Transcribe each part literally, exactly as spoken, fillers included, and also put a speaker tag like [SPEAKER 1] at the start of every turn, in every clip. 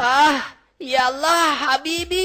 [SPEAKER 1] আহ ইয়াল্লাহ হাবিবি।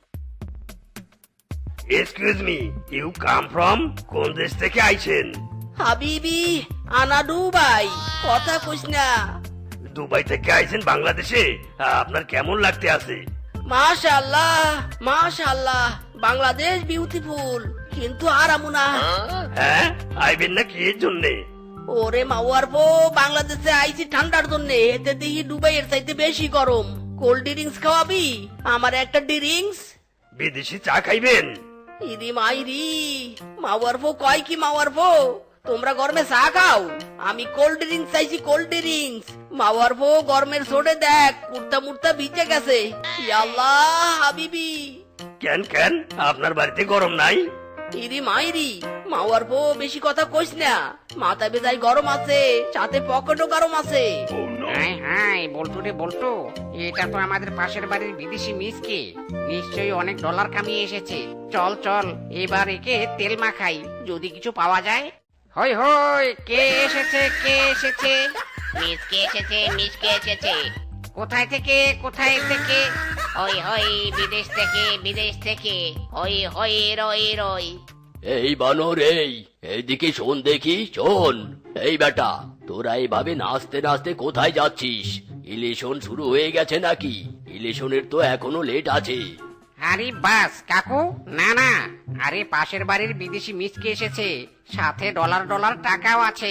[SPEAKER 2] Excuse me, you come from? কোন দেশ থেকে আইছেন?
[SPEAKER 1] হাবিবি আনা দুবাই, কথা কইস না।
[SPEAKER 2] দুবাই থেকে আইছেন বাংলাদেশে? আপনার কেমন লাগতে আছে?
[SPEAKER 1] মাশাআল্লাহ মাশাআল্লাহ, বাংলাদেশ বিউটিফুল, কিন্তু আরামু না।
[SPEAKER 2] হ্যাঁ, আইবেন না কি এর জন্যে?
[SPEAKER 1] ওরে মাওয়ার পো, বাংলাদেশে আইছি ঠান্ডার জন্য, এতে দেখি দুবাইয়ের চাইতে বেশি গরম। কোল্ড ড্রিঙ্কস খাওয়াবি? আমার একটা ড্রিঙ্কস।
[SPEAKER 2] বিদেশি চা খাইবেন?
[SPEAKER 1] ইদি মাইরি, মাওয়ার পো কয় কি মাওয়ার পো, তোমরা গরমে চা খাও, আমি কোল্ড ড্রিঙ্কস চাইছি, কোল্ড ড্রিঙ্কস। মাওয়ার পো গরমের সোডে দেখ কুর্তা মুর্তা ভিজে গেছে। ইয়াল্লাহ হাবিবি।
[SPEAKER 2] কেন কেন, আপনার বাড়িতে গরম নাই?
[SPEAKER 1] ইরি মাইরি, মাওয়ার পো বেশি কথা কইস না, মাথা বেজায় গরম আছে, সাথে পকেটও গরম আছে।
[SPEAKER 3] হাই হাই বল্টু রে বল্টু, এটা তো আমাদের পাশের বাড়ির বিদেশি মিসকে, নিশ্চয়ই অনেক ডলার কামিয়ে এসেছে। চল চল এবার একে তেল মাখাই, যদি কিছু পাওয়া যায়। হই হই, কে এসেছে কে এসেছে?
[SPEAKER 4] মিসকে এসেছে মিসকে এসেছে।
[SPEAKER 3] কোথায় থেকে কোথায় থেকে?
[SPEAKER 4] হই হই, বিদেশ থেকে বিদেশ থেকে। হই হই রই রই।
[SPEAKER 5] এই বানর, এই এইদিকে শোন দেখি, শোন। এই বেটা, তোরা এইভাবে নাচতে নাচতে কোথায় যাচ্ছিস? ইলেকশন শুরু হয়ে গেছে নাকি? ইলেকশনের তো এখনো লেট আছে।
[SPEAKER 3] আরে বাস কাকু, না না, আরে পাশের বাড়ির বিদেশি মিসকে এসেছে, সাথে ডলার ডলার টাকাও আছে।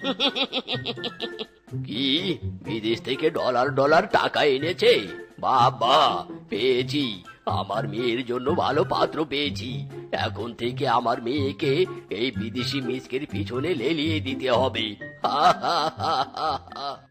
[SPEAKER 5] কি, বিদেশ থেকে ডলার ডলার টাকা এনেছে? বাবা, পেয়েছি, আমার মেয়ের জন্য ভালো পাত্র পেয়েছি। এখন থেকে আমার মেয়েকে এই বিদেশি মিসকের পিছনে লেলিয়ে দিতে হবে। হা হা হা হা হা।